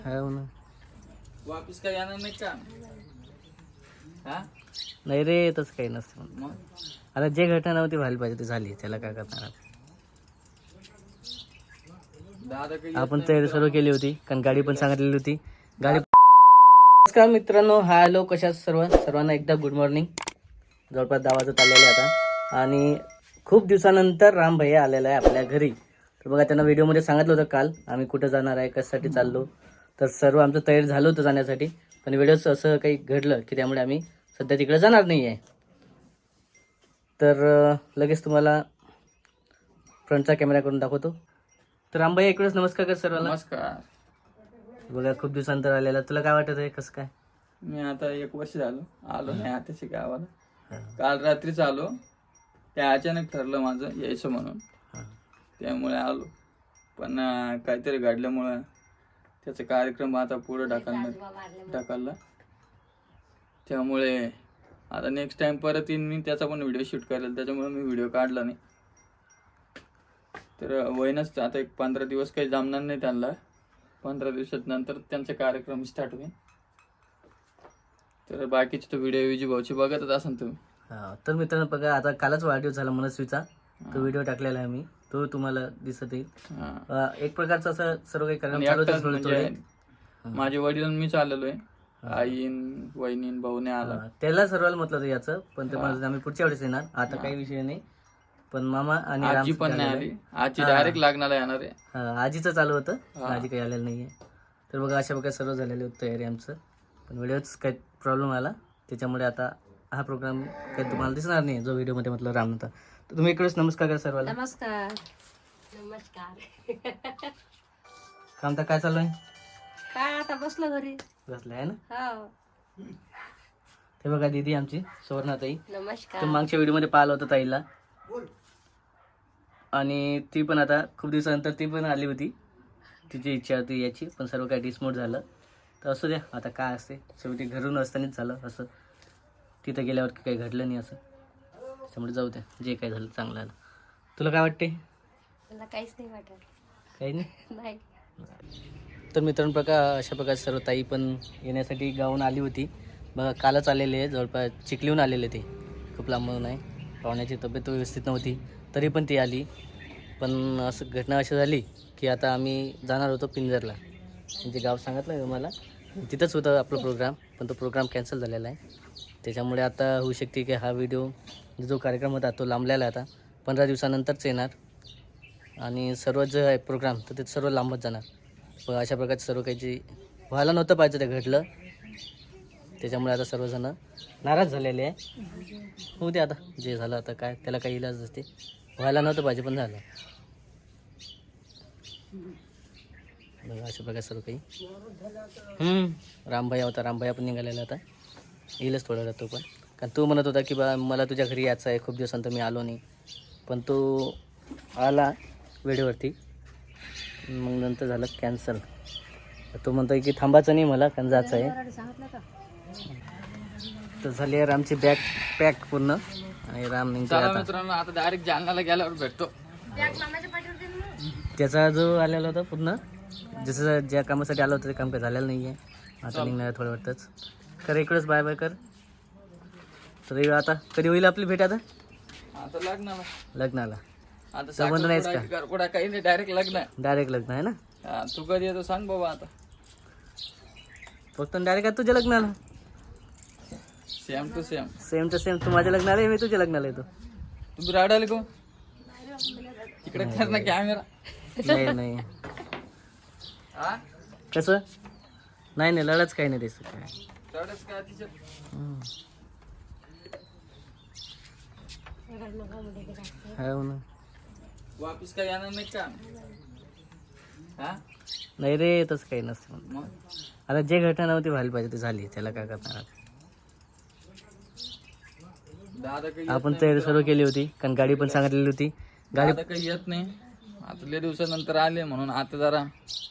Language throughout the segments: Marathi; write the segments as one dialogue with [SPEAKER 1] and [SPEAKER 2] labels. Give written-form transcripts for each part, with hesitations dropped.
[SPEAKER 1] हो ना.
[SPEAKER 2] वापिस काय येणार नाही का? हा
[SPEAKER 1] नाही रे, तसं काही नसतं.
[SPEAKER 2] मग
[SPEAKER 1] आता जे घटना नव्हती व्हायला पाहिजे ती झाली, त्याला काय करणार आता?
[SPEAKER 2] दादा काही
[SPEAKER 1] आपण तयारी सर्व केली होती, कारण गाडी पण सांगितलेली होती. गाडी नमस्कार मित्रांनो, हॅलो, कशा सर्वांना एकदा गुड मॉर्निंग. जवळपास 10 वाजत आलेले आता आणि खूप दिवसानंतर राम भैया आलेला आहे आपल्या घरी. तर बघा, त्यांना व्हिडिओमध्ये सांगितलं होतं काल आम्ही कुठं जाणार आहे, कशासाठी चाललो. तर सर्व आमचं तयारी झालं होतं जाण्यासाठी, पण व्हिडिओच असं काही घडलं की त्यामुळे आम्ही सध्या तिकडे जाणार नाही आहे. तर लगेच तुम्हाला फ्रंटचा कॅमेरा करून दाखवतो. तर राम भैया इकडेच नमस्कार कर सर्वांना.
[SPEAKER 2] नमस्कार.
[SPEAKER 1] बघा, खूप दिवसानंतर आलेला. तुला काय वाटत आहे, कसं काय?
[SPEAKER 2] मी आता 1 वर्ष आलो नाही आताशी गावाला. काल रात्रीच आलो. ते अचानक ठरलं माझं यायचं म्हणून, त्यामुळे आलो. पण काहीतरी घडल्यामुळं त्याचा कार्यक्रम आता पुढे ढकलला. त्यामुळे आता नेक्स्ट टाइम परत येईन मी, त्याचा पण व्हिडिओ शूट करेल. त्याच्यामुळे मी व्हिडिओ काढला नाही. तर वयनच आता एक 15 दिवस काही जमणार नाही त्यांना. 15 दिवसात नंतर त्यांचा कार्यक्रम स्टार्ट होईल. तर बाकीचे तो व्हिडिओ विजी भाऊची बघतच असाल तुम्ही.
[SPEAKER 1] तर मित्रांनो बघा, आता कालच वाढदिवस झाला मनस्वीचा. तो व्हिडिओ टाकलेला आहे मी, तो तुम्हाला दिसत येईल. एक प्रकारचं असं सर्व काही कार्यक्रम चालू होते थोडे थोडे.
[SPEAKER 2] माझे वडील मी चाललेलो आहे. आईन वहिनीन भाऊने आला.
[SPEAKER 1] त्याला सर्वांना म्हटलं होतं याचं, पण ते म्हणत आम्ही पुढच्या वेळेस येणार, आता काही विषय नाही. पण मामा आणि
[SPEAKER 2] आजी पण नाही आली. आजी डायरेक्ट लागणार येणार आहे.
[SPEAKER 1] आजीचं चालू होतं, आजी काही आलेलं नाहीये. तर बघा, अशा प्रकारे सर्व झालेली होती तयारी आमचं. पण व्हिडिओच काही प्रॉब्लेम आला, त्याच्यामुळे आता हा प्रोग्राम काही तुम्हाला दिसणार नाही जो व्हिडिओमध्ये म्हटलं राम नव्हता. तर तुम्ही इकडेच नमस्कार करा सर्वांना.
[SPEAKER 3] नमस्कार. नमस्कार.
[SPEAKER 1] काम तर काय चालू आहे?
[SPEAKER 3] काय आता बसलो घरी.
[SPEAKER 1] बसलं आहे ना.
[SPEAKER 3] हो.
[SPEAKER 1] ते बघा दीदी आमची सुवर्णाताई.
[SPEAKER 3] नमस्कार.
[SPEAKER 1] तर मागच्या व्हिडिओमध्ये पाहिलं होतं ताईला, आणि ती पण आता खूप दिवसानंतर ती पण आली होती. तिची इच्छा होती याची, पण सर्व काही डिसमोड झालं. तर असू द्या, आता काय असते, शेवटी घरून असतानाच झालं असं. तिथं गेल्यावर काही घडलं नाही असं, त्यामुळे जाऊ द्या, जे काही झालं चांगलं झालं. तुला काय वाटते?
[SPEAKER 3] मला काहीच नाही वाटत.
[SPEAKER 1] काही नाही.
[SPEAKER 3] नाही.
[SPEAKER 1] तर मित्रांनो बघा, अशा प्रकारे सर्व ताई पण येण्यासाठी गावून आली होती. बघा, कालच आलेले आहे, जवळपास चिखलीहून आलेले ते, खूप लांबून नाही. पाहुण्याची तब्येत व्यवस्थित नव्हती, तरी पण ती आली. पण असं घटना अशी झाली की आता आम्ही जाणार होतो पिंजरला, म्हणजे गाव सांगितलं मला, तिथंच होतं आपलं प्रोग्राम, पण तो प्रोग्राम कॅन्सल झालेला आहे. त्याच्यामुळे आता होऊ शकते की हा व्हिडिओ जो कार्यक्रम होता तो लांबलेला आहे. आता 15 दिवसानंतरच येणार, आणि सर्व जे आहे प्रोग्राम तर ते सर्व लांबत जाणार. पण अशा प्रकारचं सर्व काही जे व्हायला नव्हतं पाहिजे ते घडलं, त्याच्यामुळे आता सर्वजण नाराज झालेले आहे. होऊ दे, आता जे झालं आता काय, त्याला काही इलाज असते. व्हायला नव्हतं पाहिजे पण झालं. अशा प्रकारे सर्व काही. रामभैया होता, रामभैया पण निघालेला आता, येईलच थोडा वेळात तो पण. कारण तो म्हणत होता की बा मला तुझ्या घरी यायचं आहे, खूप दिवसानंतर मी आलो नाही. पण तो आला वेळेवरती, मग नंतर झालं कॅन्सल. तो म्हणतोय की थांबायचं नाही मला, कारण जायचं आहे. तर झाली आहे रामची बॅग पॅक पूर्ण, आणि राम निघतो आता.
[SPEAKER 2] मित्रांनो, आता डायरेक्ट जालन्याला गेल्यावर भेटतो.
[SPEAKER 1] त्याचा जो आलेला होता पूर्ण, जसं ज्या कामासाठी आलं होतं ते काम काही झालेलं नाही आहे. आता निघणार थोडं वाटतंच. तर इकडेच बाय बाय कर. तर आता कधी होईल आपली भेट? आता लग्नाला
[SPEAKER 2] आता
[SPEAKER 1] संबंध नाहीच का?
[SPEAKER 2] काही नाही, डायरेक्ट लग्न.
[SPEAKER 1] डायरेक्ट लग्न आहे ना.
[SPEAKER 2] तू कधी येतो सांग बाबा. आता
[SPEAKER 1] फक्त डायरेक्ट आहे तुझ्या लग्नाला.
[SPEAKER 2] Same to same.
[SPEAKER 1] Same to same. तू माझ्या लग्नाला आहे, मी तुझ्या लग्नाला येतो.
[SPEAKER 2] तू राडायला को इकडे कर ना कॅमेरा.
[SPEAKER 1] नाही नाही, कसं नाही नाही, लढच काही नाही दिसत काय. हो ना.
[SPEAKER 2] वापिस काय येणार नाही का?
[SPEAKER 1] नाही रे, तसं काही नसतं.
[SPEAKER 2] मग
[SPEAKER 1] आता जे घटना नव्हती व्हायला पाहिजे ती झाली, त्याला काय करणार.
[SPEAKER 2] दादा काही
[SPEAKER 1] आपण तयारी सर्व केली होती, कारण गाडी पण सांगितलेली होती. गाडी
[SPEAKER 2] दादा काही येत नाही. आता लय दिवसानंतर आले म्हणून आता जरा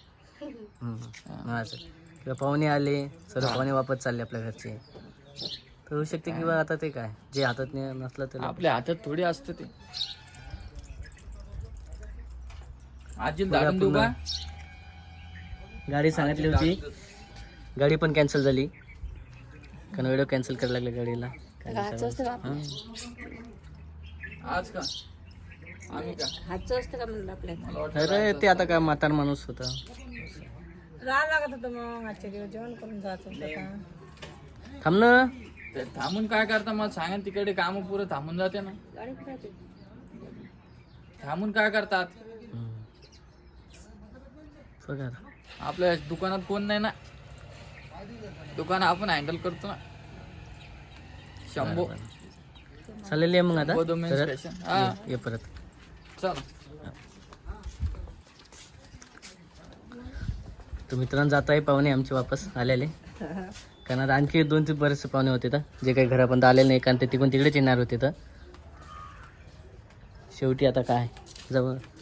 [SPEAKER 1] पाहुणे आले, सर्व पाहुणे वापस चालले आपल्या घरचे. तर होऊ शकते किंवा आता ते काय जे हातात नसलं तर
[SPEAKER 2] आपल्या हातात थोडी असतं ते. आजीला दाखवून देऊ का?
[SPEAKER 1] गाडी सांगितली होती, गाडी पण कॅन्सल झाली कारण व्हिडिओ कॅन्सल करायला लागले गाडीला.
[SPEAKER 3] हातचं असतं का
[SPEAKER 1] हां.
[SPEAKER 2] आज का आम्ही का
[SPEAKER 3] हातचं असतं का म्हणलं आपल्याला.
[SPEAKER 2] मला वाटतं
[SPEAKER 1] अरे ते आता काय म्हातार माणूस होता.
[SPEAKER 4] राहा लागत होतं मग आजच्या दिवस जेवण करून जायचं होतं का.
[SPEAKER 1] थांब ना.
[SPEAKER 2] ते थांबून काय करता मला सांगा, तिकडे काम पुरं थांबून जाते ना.
[SPEAKER 3] गाडी कुठे आहे?
[SPEAKER 2] थांबून काय करतात?
[SPEAKER 1] बघा
[SPEAKER 2] आपल्या दुकानात कोण नाही ना, दुकान आपण हँडल करतो ना. शंभो
[SPEAKER 1] चालेल ये मग आता
[SPEAKER 2] शंभो domain
[SPEAKER 1] परत
[SPEAKER 2] station. हा
[SPEAKER 1] ये परत.
[SPEAKER 2] चला.
[SPEAKER 1] तर मित्रांनो जात आहे पाहुणे आमचे वापस आलेले, कारण आता आणखी 2-3 बरेचसे पाहुणे होते तर जे काही घरापर्यंत आलेले नाही, कारण ते तिकडून तिकडेच येणार होते. तर शेवटी आता काय जवळ